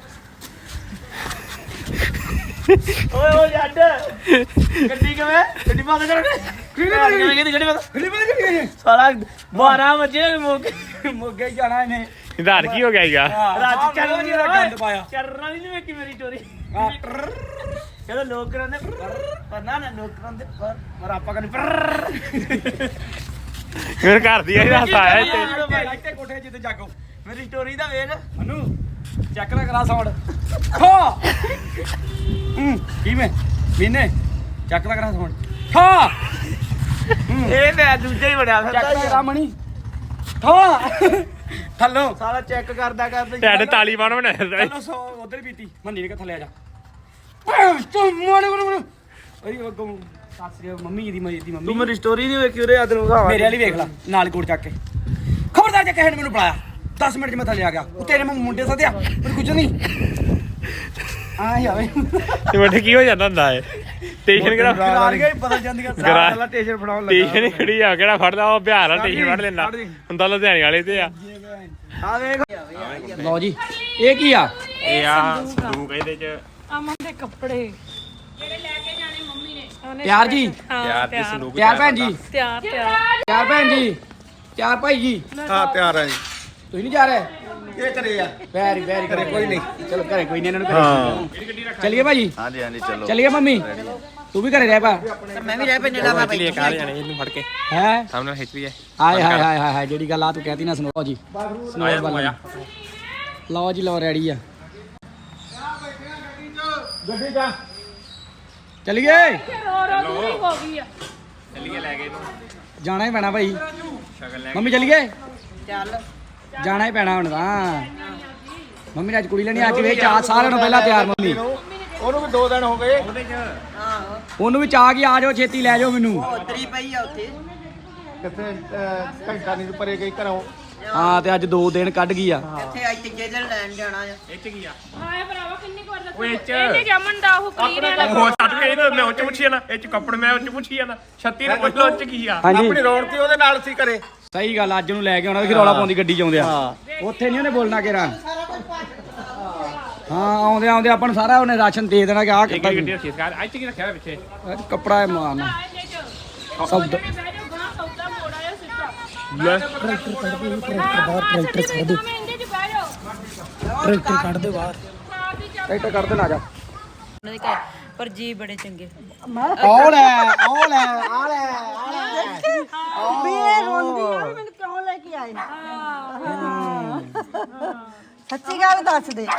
[SPEAKER 2] ਓਏ ਓਏ ਜੱਟ ਗੱਡੀ ਕਿਵੇਂ ਗੱਡੀ ਬੰਦ ਕਰ ਕਿਵੇਂ ਕਿਵੇਂ ਗੱਡੀ ਬੰਦ ਗੱਡੀ ਬੰਦ ਕਿਵੇਂ ਸਾਲਾ ਬਾਰਾਂ ਵਜੇ ਮੋਗੇ ਮੋਗੇ ਜਾਣਾ ਇਹਨੇ
[SPEAKER 1] ਇਧਰ ਕੀ ਹੋ ਗਿਆ ਈਗਾ
[SPEAKER 2] ਰਾਤ ਚੱਲ ਨਹੀਂ ਗੰਦ ਪਾਇਆ
[SPEAKER 7] ਚਰਨਾ ਨਹੀਂ ਵੇਖੀ ਮੇਰੀ ਸਟੋਰੀ
[SPEAKER 2] ਆ
[SPEAKER 7] ਕਹਿੰਦਾ ਲੋਕ ਕਰਾਂਦੇ ਪਰ ਨਾ ਨਾ ਲੋਕ ਕਰਾਂਦੇ ਪਰ
[SPEAKER 2] ਪਰ ਆਪਾਂ ਕਹਿੰਦੇ ਪਰ
[SPEAKER 1] ਮੇਰੇ ਘਰ ਦੀ ਇਹਦਾ ਹੱਸ ਆਇਆ ਇੱਥੇ
[SPEAKER 2] ਇੱਥੇ ਕੋਠੇ ਜਿੱਤੇ ਜਾਗੋ
[SPEAKER 7] ਮੇਰੀ ਸਟੋਰੀ ਦਾ ਵੇਖ
[SPEAKER 2] ਅਨੂ ਚੈੱਕ ਨਾ ਕਰਾ ਸਾਊਂਡ ਖਾ ਹੂੰ ਕਿਵੇਂ ਮੀਨੇ ਚੈੱਕ ਨਾ ਕਰਾ ਸਾਊਂਡ ਖਾ
[SPEAKER 7] ਇਹ ਮੈਂ ਦੂਜਾ ਹੀ ਬੜਿਆ
[SPEAKER 2] ਚੈੱਕ
[SPEAKER 7] ਫਿਰਦਾ
[SPEAKER 2] ਨਾ ਕਰਾ ਮਣੀ ਖਾ ਥੱਲੋਂ
[SPEAKER 7] ਸਾਰਾ ਚੈੱਕ ਕਰਦਾ ਕਰਦਾ
[SPEAKER 1] ਟੈਡ ਤਾਲੀਬਾਨ ਬਣਾਇਆ
[SPEAKER 2] ਥੱਲੋਂ ਸੌ ਉਧਰ ਪੀਤੀ ਮੰਨੀ ਨੇ ਥੱਲੇ ਆ ਜਾ ਤੂੰ ਮੋੜੇ ਮੋੜੇ ਅਰੇ ਅੱਗੋਂ ਸਾਸਰੀ ਮੰਮੀ ਦੀ ਮੇਰੀ ਦੀ ਮੰਮੀ
[SPEAKER 7] ਤੂੰ ਮੇਰੀ ਸਟੋਰੀ ਨਹੀਂ ਵੇਖੀ ਉਰੇ ਆਦਨ ਵਿਖਾਵਾ
[SPEAKER 2] ਮੇਰੇ ਵਾਲੀ ਵੇਖ ਲੈ ਨਾਲ ਕੋਟ ਚੱਕ ਕੇ ਖਬਰਦਾਰ ਜੇ ਕਿਸੇ ਨੇ ਮੈਨੂੰ ਬੁਲਾਇਆ ਦਸ ਮਿੰਟ ਚ ਮੈਂ ਥੱਲੇ ਆ ਗਿਆ ਉਹ ਤੇਰੇ ਮੈਂ ਮੁੰਡੇ ਸਦਿਆ ਮੈਨੂੰ ਕੁਝ ਨਹੀਂ ਆਹ ਆਵੇ
[SPEAKER 1] ਤੇ ਬੈਠੇ ਕੀ ਹੋ ਜਾਂਦਾ ਹੁੰਦਾ ਏ ਸਟੇਸ਼ਨ ਕਿਹੜਾ
[SPEAKER 2] ਗਰਾਰ ਗਿਆ ਬਦਲ ਜਾਂਦੀਆਂ
[SPEAKER 1] ਗਰਾ-
[SPEAKER 2] ਸਾਰਾ ਸਟੇਸ਼ਨ ਫੜਾਉਣ
[SPEAKER 1] ਸਟੇਸ਼ਨ ਹੀ ਖੜੀ ਆ ਕਿਹੜਾ ਫੜਦਾ ਉਹ ਬਿਹਾਰ ਵਾਲਾ ਸਟੇਸ਼ਨ ਫੜ ਲੈਂਦਾ ਹੁੰਦਾ ਲੁਧਿਆਣੇ ਵਾਲੇ ਤੇ ਆ
[SPEAKER 2] ਆ ਵੇਖ ਲਓ ਜੀ ਇਹ ਕੀ ਆ
[SPEAKER 1] ਇਹ ਆ ਸੰਦੂਕ ਇਹਦੇ ਚ
[SPEAKER 6] ਅਮਨ ਦੇ ਕੱਪੜੇ
[SPEAKER 2] ਪਿਆਰ ਜੀ
[SPEAKER 1] ਯਾਰ ਦੀ ਸੰਦੂਕ
[SPEAKER 2] ਪਿਆਰ ਭੈਣ ਜੀ
[SPEAKER 6] ਤਿਆਰ ਤਿਆਰ
[SPEAKER 2] ਪਿਆਰ ਭੈਣ ਜੀ ਪਿਆਰ ਭਾਈ ਜੀ
[SPEAKER 5] ਹਾਂ ਤਿਆਰ ਆ ਜੀ
[SPEAKER 2] ਤੁਸੀਂ ਨਹੀਂ ਜਾ ਰਹੇ
[SPEAKER 5] ਇਹ ਕਰੇ ਆ
[SPEAKER 2] ਵੈਰੀ ਵੈਰੀ ਕਰੇ ਕੋਈ ਨਹੀਂ ਚਲੋ ਘਰੇ ਕੋਈ ਨਹੀਂ ਇਹਨਾਂ ਨੂੰ ਘਰੇ ਚਲਿਏ ਭਾਜੀ
[SPEAKER 5] ਹਾਂਜੀ ਹਾਂਜੀ ਚਲੋ
[SPEAKER 2] ਚਲਿਏ ਮੰਮੀ ਤੂੰ ਵੀ ਘਰੇ ਰਹਿ ਪਾ
[SPEAKER 4] ਮੈਂ ਵੀ ਰਹਿ ਪੈਨੇ ਲਾ
[SPEAKER 1] ਲਈ ਕਾਰ ਜਾਣੇ ਇਹਨੂੰ ਫੜ ਕੇ
[SPEAKER 2] ਹੈ
[SPEAKER 1] ਸਾਹਮਣੇ ਖਿੱਚ ਵੀ ਹੈ
[SPEAKER 2] ਹਾਏ ਹਾਏ ਹਾਏ ਹਾਏ ਹਾਏ ਜਿਹੜੀ ਗੱਲ ਆ ਤੂੰ ਕਹਿਤੀ ਨਾ ਸੁਣੋ ਜੀ
[SPEAKER 1] ਆਇਆ ਤੂੰ ਆਇਆ
[SPEAKER 2] ਲਓ ਜੀ ਲਓ ਰੈਡੀ ਆ ਗੱਡੀ ਜਾ ਚਲਿਏ
[SPEAKER 6] ਰੋ ਰੋ ਦੂਰੀ ਹੋ ਗਈ ਆ
[SPEAKER 1] ਚੱਲੀਏ ਲੈ ਕੇ ਇਹਨੂੰ
[SPEAKER 2] ਜਾਣਾ ਹੀ ਪੈਣਾ ਭਾਈ
[SPEAKER 1] ਸ਼ਗਨ ਲੈ
[SPEAKER 2] ਮੰਮੀ ਚਲਿਏ
[SPEAKER 4] ਚੱਲ
[SPEAKER 2] ਜਾਣਾ ਹੀ ਪੈਣਾ ਹੁਣ ਤਾਂ ਮੰਮੀ ਨੇ ਅੱਜ ਕੁੜੀ ਲੈਣੀ ਅੱਜ ਵੇ ਚਾਹ ਸਾਰਿਆਂ ਨੂੰ ਪਹਿਲਾਂ ਤਿਆਰ ਮੰਮੀ
[SPEAKER 5] ਉਹਨੂੰ ਵੀ ਦੋ ਦਿਨ ਹੋ ਗਏ
[SPEAKER 4] ਆਹੋ
[SPEAKER 2] ਉਹਨੂੰ ਵੀ ਚਾਹ ਕੀ ਆ ਜਾਓ ਛੇਤੀ ਲੈ ਜਾਓ ਮੈਨੂੰ
[SPEAKER 4] ਉਤਰੀ ਪਈ ਆ ਉੱਥੇ
[SPEAKER 5] ਕਿੱਥੇ ਅਹ, ਘੰਟਾ ਨਹੀਂ ਪਰੇ ਗਈ ਘਰੋਂ
[SPEAKER 2] ਹਾਂ ਤੇ ਅੱਜ ਦੋ ਦਿਨ ਕੱਢ ਗਈ ਆ
[SPEAKER 4] ਇੱਥੇ ਅੱਜ ਤੀਜੇ ਦਿਨ ਲੈਣ ਜਾਣਾ ਆ
[SPEAKER 1] ਇਹ ਚ ਕੀ ਆ
[SPEAKER 6] ਹਾਏ ਭਰਾਵਾ ਕਿੰਨੀ ਕੁ ਵਾਰ ਦੱਸਿਆ
[SPEAKER 1] ਉਹ ਇਹ ਚ
[SPEAKER 6] ਇਹਨੇ ਜਮਨ ਦਾ ਉਹ ਕਲੀਨ ਵਾਲਾ
[SPEAKER 1] ਉਹ ਛੱਡ ਕੇ ਇਹਨੂੰ ਮੈਂ ਉੱਚ ਪੁੱਛੀ ਜਾਣਾ ਇਹ ਚ ਕੱਪੜ ਮੈਂ ਉੱਚ ਪੁੱਛੀ ਜਾਣਾ ਛੱਤੀ ਨੂੰ ਪੁੱਛ ਲੋ ਉੱਚ ਕੀ ਆ
[SPEAKER 2] ਹਾਂਜੀ
[SPEAKER 5] ਆਪਣੀ ਰੌਣਕ ਉਹਦੇ ਨਾਲ ਸੀ ਘਰੇ
[SPEAKER 2] ਸਹੀ ਗੱਲ ਅੱਜ ਨੂੰ ਲੈ ਕੇ ਆਉਣਾ ਫਿਰ ਰੌਲਾ ਪਾਉਂਦੀ ਗੱਡੀ 'ਚ ਆਉਂਦੇ ਆ ਉੱਥੇ ਨਹੀਂ ਉਹਨੇ ਬੋਲਣਾ ਕਿਹੜਾ ਹਾਂ ਆਉਂਦੇ ਆਉਂਦੇ ਆਪਾਂ ਨੂੰ ਸਾਰਾ ਉਹਨੇ ਰਾਸ਼ਨ ਦੇ ਦੇਣਾ ਕਿ ਆਹ
[SPEAKER 1] ਇੱਕ
[SPEAKER 2] ਕੱਪੜਾ
[SPEAKER 1] ਗੱਡੀ ਰੱਖੀ ਸਕਾਰ ਅੱਜ ਕੀ ਰੱਖਿਆ ਹੋਇਆ ਪਿੱਛੇ
[SPEAKER 2] ਕੱਪੜਾ ਹੈ ਮਾਰਨਾ
[SPEAKER 6] ਇਹਦੇ ਚ
[SPEAKER 2] ਸਭ
[SPEAKER 6] ਬਹਿ ਜਾਓ ਗਾਂ ਸੌਦਾ ਮੋੜ ਆਇਆ ਸਿੱਧਾ
[SPEAKER 1] ਲੈ
[SPEAKER 6] ਟਰੈਕਟਰ ਕੱਢ ਦੇ ਟਰੈਕਟਰ ਕੱਢ ਦੇ ਮੈਂ ਇਹਦੇ ਚ ਬਹਿ ਜਾਓ
[SPEAKER 2] ਟਰੈਕਟਰ ਕੱਢ ਦੇ ਬਾਹਰ
[SPEAKER 6] ਆਪ ਹੀ ਜਾ
[SPEAKER 2] ਟਰੈਕਟਰ ਕੱਢ ਦੇ ਨਾ ਜਾ
[SPEAKER 3] ਉਹਨਾਂ ਦੇ ਘਰ ਪਰ ਜੀ ਬੜੇ ਚੰਗੇ
[SPEAKER 2] ਆਉ ਲੈ ਆਉ ਲੈ ਆ ਲੈ ਆ ਲੈ
[SPEAKER 4] ਵੀ ਇਹ ਰੋਂਦੀ ਆ ਵੀ ਮੈਨੂੰ ਕਿਉਂ ਲੈ ਕੇ ਆਏ ਸੱਚੀ ਗੱਲ ਦੱਸ ਦੇ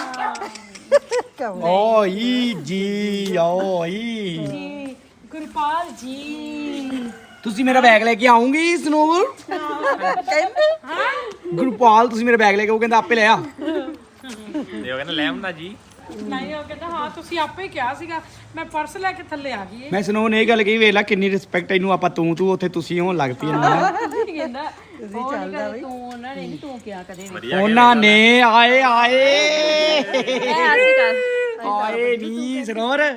[SPEAKER 2] ਓਈ ਜੀ ਓਈ
[SPEAKER 6] ਗੁਰਪਾਲ ਜੀ
[SPEAKER 2] ਤੁਸੀਂ ਮੇਰਾ ਬੈਗ ਲੈ ਕੇ ਆਉਂਗੀ ਸਨੋਵਰ
[SPEAKER 4] ਕਹਿੰਦੇ
[SPEAKER 2] ਗੁਰਪਾਲ ਤੁਸੀਂ ਮੇਰਾ ਬੈਗ ਲੈ ਕੇ ਉਹ ਕਹਿੰਦਾ ਆਪੇ ਲੈ ਆ
[SPEAKER 1] ਤੇ ਉਹ ਕਹਿੰਦਾ ਲੈ ਆਉਂਦਾ ਜੀ
[SPEAKER 6] ਨਹੀਂ ਉਹ ਕਹਿੰਦਾ ਹਾਂ ਤੁਸੀਂ ਆਪੇ ਹੀ ਕਿਹਾ ਸੀਗਾ ਮੈਂ ਪਰਸ ਲੈ ਕੇ ਥੱਲੇ ਆ ਗਈ
[SPEAKER 2] ਮੈਂ ਸਨੋਵਰ ਨੇ ਇਹ ਗੱਲ ਕਹੀ ਵੇਖ ਲੈ ਕਿੰਨੀ ਰਿਸਪੈਕਟ ਇਹਨੂੰ ਆਪਾਂ ਤੂੰ ਤੂੰ ਉੱਥੇ ਤੁਸੀਂ ਹੋਣ ਲੱਗ ਪਈ ਇਹਨਾਂ
[SPEAKER 3] ਕਹਿੰਦਾ ਤੁਸੀਂ ਚੱਲਦਾ ਬਈ ਤੂੰ ਉਹਨਾਂ ਨੇ ਨੀ ਤੂੰ ਕਿਹਾ ਕਦੇ ਵੀ
[SPEAKER 1] ਵਧੀਆ
[SPEAKER 2] ਉਹਨਾਂ ਨੇ ਆਏ ਆਏ
[SPEAKER 3] ਐ ਅਸੀਂ ਕਰ
[SPEAKER 2] ਆਏ ਨੀ ਸਨੋਵਰ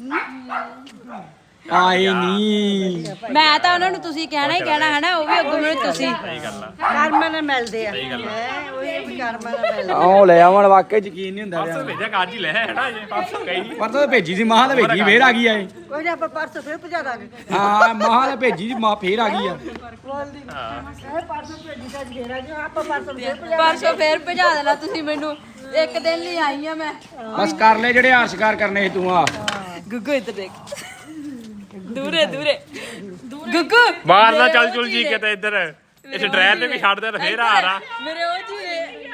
[SPEAKER 2] ਆਏ ਨੀ
[SPEAKER 3] ਮੈਂ ਤਾਂ ਉਹਨਾਂ ਨੂੰ ਤੁਸੀਂ ਕਹਿਣਾ ਹੀ ਕਹਿਣਾ ਹੈ ਨਾ ਉਹ ਵੀ ਅੱਗੋਂ ਮੈਨੂੰ ਤੁਸੀਂ
[SPEAKER 1] ਸਹੀ ਗੱਲ ਆ
[SPEAKER 4] ਕਰਮਾਂ ਨਾਲ ਮਿਲਦੇ ਆ ਹੈਂ, ਉਹੀ ਵੀ ਕਰਮਾਂ ਨਾਲ ਮਿਲਦੇ
[SPEAKER 2] ਆਹ ਲੈ ਆਵਣ ਵਾਕਈ ਯਕੀਨ ਨਹੀਂ ਹੁੰਦਾ
[SPEAKER 1] ਪਰਸੋਂ ਭੇਜਿਆ ਕਾਜ ਹੀ ਲੈ ਹੈਨਾ ਜੇ ਪਰਸੋਂ ਗਈ
[SPEAKER 2] ਪਰ ਤਾਂ ਭੇਜੀ ਸੀ ਮਾਂ ਤਾਂ ਭੇਜੀ ਫੇਰ ਆ ਗਈ ਆ ਇਹ
[SPEAKER 4] ਕੋਈ ਨਾ ਆਪਾਂ ਪਰਸੋਂ ਫਿਰ ਪਹੁੰਚਾ ਦਾਂਗੇ
[SPEAKER 2] ਹਾਂ ਮਾਂ ਤਾਂ ਭੇਜੀ ਸੀ ਮਾਂ ਫੇਰ ਆ ਗਈ ਆ
[SPEAKER 4] ਪਰਸੋਂ ਭੇਜੀ ਤਾਂ ਜਿਹੜਾ ਜੋ ਆਪਾਂ ਪਰਸੋਂ ਫਿਰ ਪਹੁੰਚਾ
[SPEAKER 3] ਪਰਸੋਂ ਫੇਰ ਭਜਾ ਦੇਣਾ ਤੁਸੀਂ ਮੈਨੂੰ ਇੱਕ ਦਿਨ ਲਈ ਆਈ ਆ ਮੈਂ
[SPEAKER 2] ਬਸ ਕਰ ਲੈ ਜਿਹੜੇ ਹਾਰ ਸ਼ਿਕਾਰ ਕਰਨੇ ਸੀ ਤੂੰ ਆ
[SPEAKER 3] ਗੁੱਗੂ ਇੱਧਰ ਦੇਖ ਦੂਰੇ ਦੂਰੇ ਗੁੱਗੂ
[SPEAKER 1] ਬਾਹਰ ਨਾ ਚੱਲ ਚੁਲ ਜੀ ਕਿਤੇ ਇੱਧਰ ਇਸ ਡਰਾਈਵਰ ਤੇ ਵੀ ਛੱਡ ਦੇ ਤੇ ਫੇਰ ਆ ਰਾ
[SPEAKER 3] ਮੇਰੇ ਉਹ ਜੀ ਵੇ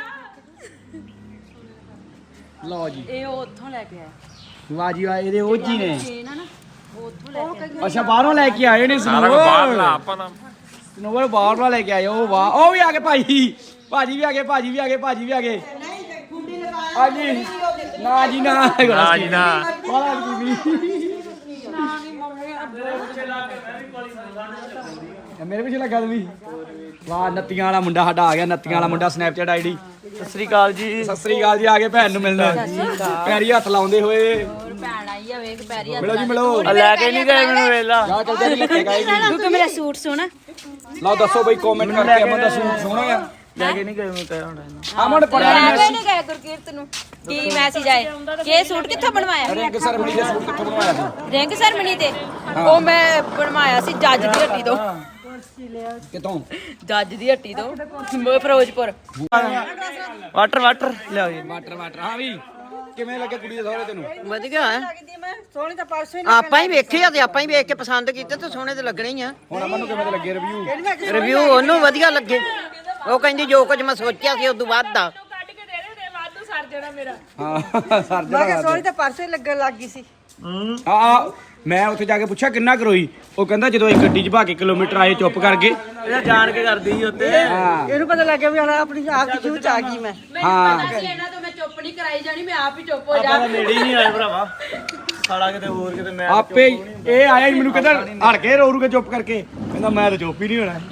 [SPEAKER 2] ਲਓ ਜੀ
[SPEAKER 3] ਇਹ ਉਹ ਉੱਥੋਂ ਲੈ ਕੇ ਆਇਆ
[SPEAKER 2] ਵਾਹ ਜੀ ਵਾਹ ਇਹਦੇ ਉਹ ਜੀ ਨੇ
[SPEAKER 3] ਚੇਨ ਆ ਨਾ ਉਹ ਉੱਥੋਂ ਲੈ ਕੇ ਆਇਆ
[SPEAKER 2] ਅੱਛਾ ਬਾਹਰੋਂ ਲੈ ਕੇ ਆਏ ਨੇ
[SPEAKER 1] ਸਾਰਾ ਕੁਝ ਬਾਹਰ ਲਾ
[SPEAKER 2] ਸਨੋਵਰ
[SPEAKER 1] ਆਪਾਂ ਨਾ
[SPEAKER 2] ਸਨੋਵਰ ਬਾਹਰੋਂ ਲੈ ਕੇ ਆਏ ਉਹ ਵਾਹ ਉਹ ਵੀ ਆ ਗਏ ਭਾਜੀ ਭਾਜੀ ਵੀ ਆ ਗਏ ਭਾਜੀ ਵੀ ਆ ਗਏ ਭਾਜੀ ਵੀ ਆ ਗਏ ਹਾਂਜੀ ਨਾ ਜੀ ਨਾ
[SPEAKER 1] ਨਾ ਜੀ ਨਾ
[SPEAKER 2] ਬਾਹਰ ਕੀ ਵੀ ਮੇਰੇ ਪਿੱਛੇ ਲੱਗਾ ਤੂੰ ਵੀ ਵਾਹ ਨੱਤੀਆਂ ਵਾਲਾ ਮੁੰਡਾ ਸਾਡਾ ਆ ਗਿਆ ਨੱਤੀਆਂ ਵਾਲਾ ਮੁੰਡਾ ਸਨੈਪਚੈਟ ਆਈਡੀ
[SPEAKER 7] ਸਤਿ ਸ੍ਰੀ ਅਕਾਲ ਜੀ
[SPEAKER 2] ਸਤਿ ਸ੍ਰੀ ਅਕਾਲ ਜੀ ਆ ਗਏ ਭੈਣ ਨੂੰ ਮਿਲਣ ਪੈਰੀ ਹੱਥ ਲਾਉਂਦੇ ਹੋਏ
[SPEAKER 3] ਹੋਰ ਭੈਣ ਆਈ ਆ ਵੇਖ ਪੈਰੀ ਹੱਥ
[SPEAKER 2] ਮਿਲੋ ਜੀ ਮਿਲੋ
[SPEAKER 7] ਆ ਲੈ ਕੇ ਨਹੀਂ ਗਏ ਮੈਨੂੰ ਵੇਲਾ
[SPEAKER 2] ਜਾ ਚੱਲਦੇ ਨਹੀਂ ਲੱਗੇ ਗਾਈ
[SPEAKER 3] ਕਿਉਂਕਿ ਮੇਰਾ ਸੂਟ ਸੋਹਣਾ
[SPEAKER 2] ਲਓ ਦੱਸੋ ਬਈ ਕਮੈਂਟ ਕਰਕੇ ਅਮਨ ਦਾ ਸੂਟ ਸੋਹਣਾ ਆ
[SPEAKER 7] ਲੈ ਕੇ ਨਹੀਂ ਗਏ ਮੈਂ ਕਹਿ ਹੁਣ
[SPEAKER 2] ਅਮਨ ਪੜਿਆ
[SPEAKER 3] ਲੈ ਕੇ
[SPEAKER 2] ਮੈਸੇਜ
[SPEAKER 3] ਨਹੀਂ ਗਏ ਗੁਰਕੀਰਤ ਨੂੰ ਕੀ ਮੈਸੇਜ ਆਏ ਕਿ ਇਹ ਸੂਟ ਕਿੱਥੋਂ ਬਣਵਾਇਆ
[SPEAKER 2] ਰਿੰਗ ਸਰਮਣੀ ਦੇ ਸੂਟ ਕਿੱਥੋਂ ਬਣਵਾਇਆ ਸੀ
[SPEAKER 3] ਰਿੰਗ ਸਰਮਣੀ ਤੇ ਉਹ ਮੈਂ ਬਣਵਾਇਆ ਸੀ ਜੱਜ ਦੀ ਹੱਟੀ ਤੋਂ
[SPEAKER 2] ਕਿਤੋਂ
[SPEAKER 3] ਜੱਜ ਦੀ ਹੱਟੀ ਤੋਂ ਮ- ਫਿਰੋਜ਼ਪੁਰ
[SPEAKER 7] ਵਾਟਰ ਵਾਟਰ ਲਿਆਓ ਜੀ
[SPEAKER 2] ਵਾਟਰ ਵਾਟਰ ਹਾਂ ਵੀ ਕਿਵੇਂ ਲੱਗੇ ਕੁੜੀ ਦੇ ਸਹੁਰੇ ਤੈਨੂੰ
[SPEAKER 4] ਵਧੀਆ ਹੈ ਸੋਹਣੀ ਤਾਂ ਪਰਸੋਂ ਹੀ ਆਪਾਂ ਹੀ ਵੇਖੇ ਆ ਤੇ ਆਪਾਂ ਹੀ ਵੇਖ ਕੇ ਪਸੰਦ ਕੀਤੇ ਤੇ ਸੋਹਣੇ ਤੇ ਲੱਗਣੇ ਹੀ ਆ
[SPEAKER 2] ਹੁਣ ਅਮਨ ਨੂੰ ਕਿਵੇਂ ਦੇ ਲੱਗੇ ਰਿਵਿਊ
[SPEAKER 4] ਰਿਵਿਊ ਉਹਨੂੰ ਵਧੀਆ ਲੱਗੇ ਉਹ ਕਹਿੰਦੀ ਜੋ ਕੁਝ ਮੈਂ ਸੋਚਿਆ ਸੀ ਉਦੋਂ ਵੱਧ ਆ
[SPEAKER 6] ਕੱਢ ਕੇ ਦੇ ਦੇ ਵਾਧੂ ਸਰ ਜਾਣਾ ਮੇਰਾ
[SPEAKER 2] ਹਾਂ ਸਰ
[SPEAKER 4] ਮੈਂ ਕਿਹਾ
[SPEAKER 2] ਜਣਾ
[SPEAKER 4] ਸੋਹਣੀ ਤਾਂ ਪਰਸੋਂ ਹੀ ਲੱਗਣ ਲੱਗ ਗਈ ਸੀ
[SPEAKER 2] ਆ ਮੈਂ ਉੱਥੇ ਜਾ ਕੇ ਪੁੱਛਿਆ ਕਿੰਨਾ ਕਰੋਈ ਉਹ ਕਹਿੰਦਾ ਜਦੋਂ ਅਸੀਂ ਗੱਡੀ 'ਚ ਭਾ ਕੇ ਕਿਲੋਮੀਟਰ ਆਏ ਚੁੱਪ ਕਰਕੇ
[SPEAKER 7] ਇਹ ਜਾਣ ਕੇ ਕਰਦੀ ਸੀ ਉੱਤੇ
[SPEAKER 2] ਹਾਂ
[SPEAKER 4] ਇਹਨੂੰ ਪਤਾ ਲੱਗਿਆ ਵੀ ਹੁਣ ਆਪਣੀ ਆਪ ਦੀ ਜੂਹ ਚ ਆ ਗਈ ਮੈਂ
[SPEAKER 2] ਹਾਂ
[SPEAKER 3] ਪਤਾ ਸੀ ਇਹਨਾਂ ਤੋਂ ਮੈਂ ਚੁੱਪ ਨਹੀਂ ਕਰਾਈ ਜਾਣੀ ਮੈਂ ਆਪ ਹੀ ਚੁੱਪ ਹੋ ਜਾ
[SPEAKER 7] ਆਪਾਂ ਤਾਂ ਨੇੜੇ ਹੀ ਨਹੀਂ ਆਏ ਭਰਾਵਾ ਸਾਲਾ ਕਿਤੇ ਹੋਰ ਕਿਤੇ ਮੈਂ
[SPEAKER 2] ਆਪੇ ਹੀ ਇਹ ਆਇਆ ਹੀ ਮੈਨੂੰ ਕਹਿੰਦਾ ਹਟ ਕੇ ਰੋ ਰੂ ਕੇ ਚੁੱਪ ਕਰਕੇ ਕਹਿੰਦਾ ਮੈਂ ਤਾਂ ਚੁੱਪ ਹੀ ਨਹੀਂ ਹੋਣਾ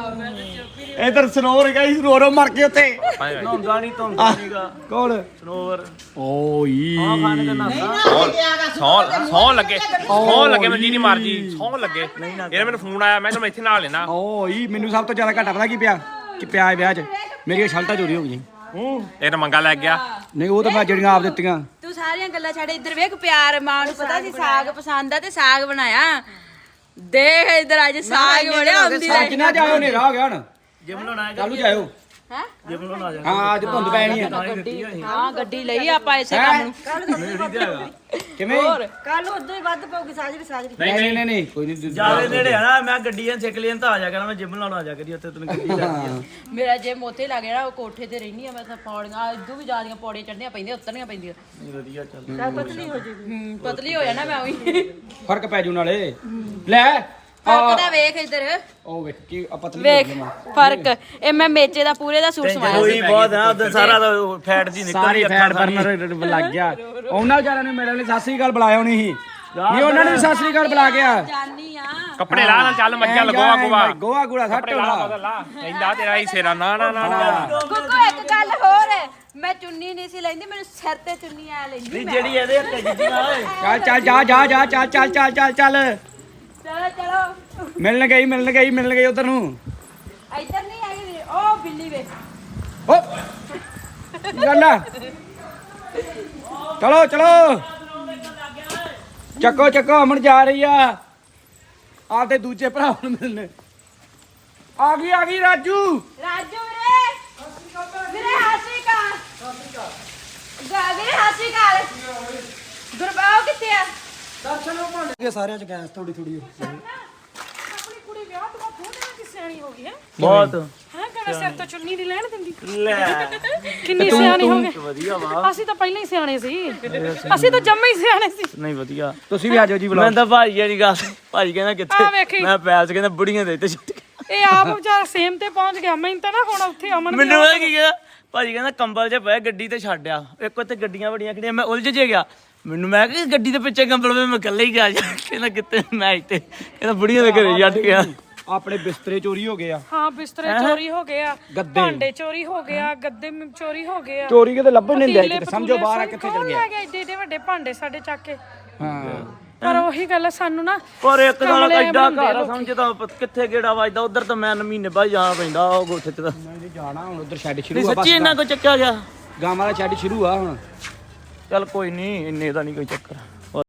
[SPEAKER 2] ਇਧਰ ਸਨੋਵਰ ਗਈ ਰੋ ਰੋ ਮਰ ਕੇ ਉੱਥੇ
[SPEAKER 7] ਨਹਾਉਂਦਾ ਨਹੀਂ ਧੋਂਦਾ ਨਹੀਂਗਾ
[SPEAKER 2] ਕੌਣ
[SPEAKER 7] ਸਨੋਵਰ
[SPEAKER 2] ਓਈ
[SPEAKER 7] ਆ ਖਾਣੇ ਤੇ ਨਹਾਉਂਦਾ
[SPEAKER 1] ਸੌ ਸੌ ਲੱਗੇ ਸੌ ਲੱਗੇ ਮੈਂ ਜੀ ਨਹੀਂ ਮਾਰ ਜੀ ਸੌ ਲੱਗੇ ਇਹਨੇ ਮੈਨੂੰ ਫੋਨ ਆਇਆ ਮੈਂ ਕਿਹਾ ਮੈਂ ਇੱਥੇ ਨਾਲ ਲੈਣਾ
[SPEAKER 2] ਓਈ ਮੈਨੂੰ ਸਭ ਤੋਂ ਜ਼ਿਆਦਾ ਘਾਟਾ ਪਤਾ ਕੀ ਪਿਆ ਕਿ ਪਿਆ ਇਹ ਵਿਆਹ 'ਚ ਮੇਰੀਆਂ ਸ਼ਰਟਾਂ ਚੋਰੀ ਹੋ ਗਈਆਂ
[SPEAKER 1] ਇਹ ਤਾਂ ਮੰਗਾ ਲੈ ਗਿਆ
[SPEAKER 2] ਨਹੀਂ ਉਹ ਤਾਂ ਮੈਂ ਜਿਹੜੀਆਂ ਆਪ ਦਿੱਤੀਆਂ
[SPEAKER 3] ਤੂੰ ਸਾਰੀਆਂ ਗੱਲਾਂ ਛੱਡ ਇੱਧਰ ਵੇਖ ਪਿਆਰ ਮਾਂ ਨੂੰ ਪਤਾ ਸੀ ਸਾਗ ਪਸੰਦ ਆ ਤੇ ਸਾਗ ਬਣਾਇਆ ਦੇਖ ਇੱਧਰ ਅੱਜ ਸਾਗ ਬਣਿਆ ਹੁੰਦੀ
[SPEAKER 2] ਸਾਂ ਕਿੰਨਾ ਜਾਇਓ ਹਨੇਰਾ ਹੋ ਗਿਆ ਹੁਣ
[SPEAKER 7] ਜਿਮ ਲਾਉਣਾ
[SPEAKER 2] ਚਾਲੂ ਜਾਇਓ
[SPEAKER 3] ਹੈ
[SPEAKER 7] ਜਿਮ ਲਾਉਣਾ ਜਾ
[SPEAKER 2] ਹਾਂ ਅੱਜ ਧੁੰਦ ਪੈਣੀ ਆ
[SPEAKER 3] ਹਾਂ ਗੱਡੀ ਲਈ ਆਪਾਂ ਇਸੇ ਕੰਮ ਨੂੰ
[SPEAKER 2] ਕਿਵੇਂ
[SPEAKER 4] ਕੱਲ ਉਦੋਂ ਹੀ ਵੱਧ ਪਊਗੀ ਸਾਜਰੀ ਸਾਜਰੀ
[SPEAKER 2] ਨਹੀਂ ਨਹੀਂ ਨਹੀਂ ਨਹੀਂ ਕੋਈ ਨਹੀਂ
[SPEAKER 7] ਜਾਵੇ ਨੇੜੇ ਆ ਨਾ ਮੈਂ ਗੱਡੀਆਂ ਸਿੱਖ ਲਈਆਂ ਤਾਂ ਆ ਜਾ ਕਰਾਂ ਮੈਂ ਜਿਮ ਲਾਉਣਾ ਆ ਜਾ ਕਰੀ ਉੱਥੇ ਤੈਨੂੰ ਗੱਡੀ ਲੱਗਦੀ
[SPEAKER 3] ਮੇਰਾ ਜੇ ਮੋਤੇ ਲੱਗ ਜਾਣਾ ਉਹ ਕੋਠੇ ਤੇ ਰਹਿਣੀ ਆ ਮੈਂ ਤਾਂ ਪੌੜੀਆਂ ਇਦੋਂ ਵੀ ਜ਼ਿਆਦੀਆਂ ਪੌੜੀਆਂ ਚੜ੍ਹਨੀਆਂ ਪੈਂਦੀਆਂ ਉਤਰਨੀਆਂ ਪੈਂਦੀਆਂ
[SPEAKER 7] ਆ ਵਧੀਆ ਚੱਲ
[SPEAKER 4] ਚੱਲ ਪਤਲੀ ਹੋ ਜੂਗੀ
[SPEAKER 3] ਹੂੰ ਪਤਲੀ ਹੋ ਜਾਣਾ ਮੈਂ ਉਹੀ
[SPEAKER 2] ਫਰਕ ਪੈ ਜੂ ਨਾਲੇ ਲੈ
[SPEAKER 3] ਫਰਕ ਦਾ ਵੇਖ ਇੱਧਰ
[SPEAKER 2] ਉਹ ਵੇਖ ਕੀ ਆ ਪਤਲੀ
[SPEAKER 3] ਵੇਖ
[SPEAKER 2] ਹੋ ਗਈ ਮੈਂ।
[SPEAKER 3] ਫਰਕ ਇਹ ਮੈਂ ਮੇਚੇ ਦਾ ਪੂਰੇ ਦਾ ਸੂਟ ਸਵਾਇਆ
[SPEAKER 7] ਹੋਈ ਬਹੁਤ ਆ ਉਦੋਂ ਸਾਰਾ ਫੈਟ ਜੀ ਨਿਕਲ
[SPEAKER 2] ਸਾਰੀ ਫੈਟ ਬਰਨਰ ਲੱਗ ਗਿਆ ਉਹਨਾਂ ਵਿਚਾਰਿਆਂ ਨੂੰ ਮੇਰੇ ਲਈ ਸਤਿ ਸ੍ਰੀ ਅਕਾਲ ਬੁਲਾਇਆ ਨਹੀਂ ਸੀ ਨਹੀਂ ਉਹਨਾਂ ਨੇ ਵੀ ਸਤਿ ਸ੍ਰੀ ਅਕਾਲ ਬੁਲਾ ਗਿਆ
[SPEAKER 3] ਜਾਨੀ ਆ
[SPEAKER 1] ਕੱਪੜੇ ਲਾ ਨਾਲ ਚੱਲ ਮੱਝਾਂ ਲਗੋਆ ਗੋਆ
[SPEAKER 2] ਗੋਆ ਗੁੜਾ ਸੱਟ
[SPEAKER 1] ਕੱਪੜੇ ਲਾ ਬਦਲ ਲਾ ਕਹਿੰਦਾ ਤੇਰਾ ਹੀ ਸੇਰਾ ਨਾ ਨਾ ਨਾ ਨਾ
[SPEAKER 3] ਗੁੱਗੂ ਇੱਕ ਗੱਲ ਹੋਰ ਹੈ ਮੈਂ ਚੁੰਨੀ ਨਹੀਂ ਸੀ ਲੈਂਦੀ ਮੈਨੂੰ ਸਿਰ ਤੇ ਚੁੰਨੀ ਆ ਲੈਂਦੀ
[SPEAKER 7] ਨਹੀਂ
[SPEAKER 3] ਮੈਂ
[SPEAKER 7] ਜਿਹੜੀ ਇਹਦੇ ਹੱਥੇ ਜਿੱਦੀ ਨਾ ਓਏ
[SPEAKER 2] ਚੱਲ ਚੱਲ ਜਾ ਜਾ ਜਾ ਚੱਲ ਚੱਲ ਚੱਲ ਚੱਲ ਚੱਲ
[SPEAKER 3] ਚਲੋ ਚਲੋ
[SPEAKER 2] ਮਿਲਣ ਗਈ ਮਿਲਣ ਗਈ ਮਿਲਣ ਗਈ ਉਧਰ ਨੂੰ
[SPEAKER 3] ਇੱਧਰ ਨਹੀਂ ਆਈ ਵੀਰੇ, ਉਹ ਬਿੱਲੀ ਵੇ
[SPEAKER 2] ਓ ਗੱਲ ਆ ਚਲੋ ਚਲੋ ਚੱਕੋ ਚੱਕੋ ਅਮਨ ਜਾ ਰਹੀ ਆ ਆਪਦੇ ਦੂਜੇ ਭਰਾ ਨੂੰ ਮਿਲਣ ਆ ਗਈ ਆ ਗਈ ਰਾਜੂ
[SPEAKER 3] ਰਾਜੂ ਵੀਰੇ ਵੀਰੇ ਹਾਸੀ ਕਾ ਗਾ ਵੀਰੇ ਹਾਸੀ ਕਾ ਗੁਰਬਾਉ ਕਿੱਥੇ ਆ
[SPEAKER 2] ਦਰਸ਼ਨ ਨੂੰ ਭੰਡ ਕੇ ਸਾਰਿਆਂ ਚ ਗੈਸ ਥੋੜੀ ਥੋੜੀ
[SPEAKER 6] ਆਪਣੀ ਕੁੜੀ ਵਿਆਹ ਤੋਂ ਸਿਆਣੀ ਹੋ ਗਈ ਹੈ
[SPEAKER 7] ਬਹੁਤ
[SPEAKER 6] ਹਾਂ ਕਹਿੰਦਾ ਸਿਰ ਤੋਂ ਚੁੰਨੀ ਨਹੀਂ ਲੈਣ ਦਿੰਦੀ
[SPEAKER 7] ਲੈ
[SPEAKER 6] ਕਿੰਨੀ ਸਿਆਣੀ ਹੋ ਗਈ
[SPEAKER 7] ਵਧੀਆ ਵਾ
[SPEAKER 6] ਅਸੀਂ ਤਾਂ ਪਹਿਲਾਂ ਹੀ ਸਿਆਣੇ ਸੀ ਅਸੀਂ ਤਾਂ ਜੰਮੇ ਹੀ ਸਿਆਣੇ ਸੀ
[SPEAKER 7] ਨਹੀਂ ਵਧੀਆ
[SPEAKER 2] ਤੁਸੀਂ ਵੀ ਆ ਜਾਓ ਜੀ
[SPEAKER 7] ਮੈਂ ਤਾਂ ਭਾਜੀ ਵਾਲੀ ਗੱਲ ਭਾਜੀ ਕਹਿੰਦਾ
[SPEAKER 6] ਆ
[SPEAKER 7] ਕਿੱਥੇ
[SPEAKER 6] ਵੇਖੀ
[SPEAKER 7] ਮੈਂ ਪੈਲਸ ਕਹਿੰਦਾ ਬੁੜੀਆਂ ਦੇ ਤੇ ਛੁੱਟ
[SPEAKER 6] ਇਹ ਆਪ ਵਿਚਾਰਾ ਸੇਮ ਤੇ ਪਹੁੰਚ ਗਿਆ ਮੈਨੂੰ ਤਾਂ ਨਾ ਹੁਣ ਉੱਥੇ ਅਮਨ ਵੀ
[SPEAKER 7] ਮੈਨੂੰ ਇਹ ਕੀ ਕਹਿੰਦਾ ਭਾਜੀ ਕਹਿੰਦਾ ਕੰਬਲ 'ਚ ਪਏ ਗੱਡੀ ਤੇ ਛੱਡਿਆ ਇੱਕ ਉੱਥੇ ਗੱਡੀਆਂ ਬੜੀਆਂ ਖੜੀਆਂ ਮੈਂ ਉਲਝ ਜੇ ਗਿਆ ਮੈਨੂੰ ਮੈਂ ਕਿਹਾ ਗੱਡੀ ਦੇ ਪਿੱਛੇ ਕੰਬਲ ਵੇ ਮੈਂ ਇਕੱਲੇ ਹੀ ਗਿਆ ਜਾ ਕਹਿੰਦਾ ਕਿੱਥੇ ਮੈਂ ਇੱਥੇ ਕਹਿੰਦਾ ਬੁੜੀਆਂ ਦੇ ਘਰੇ ਛੱਡ ਗਿਆ
[SPEAKER 2] ਆਪਣੇ ਬਿਸਤਰੇ ਚੋਰੀ ਹੋ ਗਏ ਆ
[SPEAKER 6] ਹਾਂ ਬਿਸਤਰੇ ਚੋਰੀ ਹੋ ਗਏ ਆ ਭਾਂਡੇ ਚੋਰੀ ਹੋ ਗਏ ਆ ਗੱਦੇ ਮ- ਚੋਰੀ ਹੋ ਗਏ ਆ
[SPEAKER 2] ਚੋਰੀ ਕਿਤੇ ਲੱਭਣ ਨਹੀਂ
[SPEAKER 6] ਪਤੀਲੇ,
[SPEAKER 2] ਦਿਆ ਕਿਤੇ ਸਮਝੋ ਬਾਹਰ ਆ
[SPEAKER 6] ਪਤੂਲੇ,
[SPEAKER 2] ਕਿੱਥੇ
[SPEAKER 6] ਕੌਣ
[SPEAKER 2] ਚਲ ਗਿਆ
[SPEAKER 6] ਲੈ ਗਿਆ ਏਡੇ ਏਡੇ ਵੱਡੇ ਭਾਂਡੇ ਸਾਡੇ ਚੱਕ ਕੇ
[SPEAKER 2] ਹਾਂ
[SPEAKER 6] ਪਰ ਉਹੀ ਗੱਲ ਆ ਸਾਨੂੰ ਨਾ
[SPEAKER 7] ਪਰ ਇੱਕ ਨਾਲ
[SPEAKER 6] ਕਮਲੇ
[SPEAKER 7] ਐਡਾ
[SPEAKER 6] ਬਣਾਉਂਦੇ
[SPEAKER 7] ਘਰ ਆ ਸਮਝਦਾ ਕਿੱਥੇ ਗੇੜਾ ਵੱਜਦਾ ਉਧਰ ਤਾਂ ਮੈਂ ਮਹੀਨੇ ਬਾਅਦ ਜਾਣਾ ਪੈਂਦਾ ਉਹ ਗੋਥੇ ਤੇ ਤਾਂ
[SPEAKER 2] ਨਹੀਂ ਜਾਣਾ ਹੁਣ ਉਧਰ ਸ਼ੈੱਡ
[SPEAKER 7] ਨਹੀਂ
[SPEAKER 2] ਸ਼ੁਰੂ ਆ
[SPEAKER 7] ਸੱਚੀ ਇੰਨਾ ਕੋ ਚੱਕਿਆ ਗਿਆ
[SPEAKER 2] ਗਾਵਾਂ ਦਾ ਸ਼ੈੱਡ ਸ਼ੁਰੂ ਆ ਹੁਣ
[SPEAKER 7] ਚੱਲ ਕੋਈ ਨਹੀਂ ਇੰਨੇ ਦਾ ਨਹੀਂ ਕੋਈ ਚੱਕਰ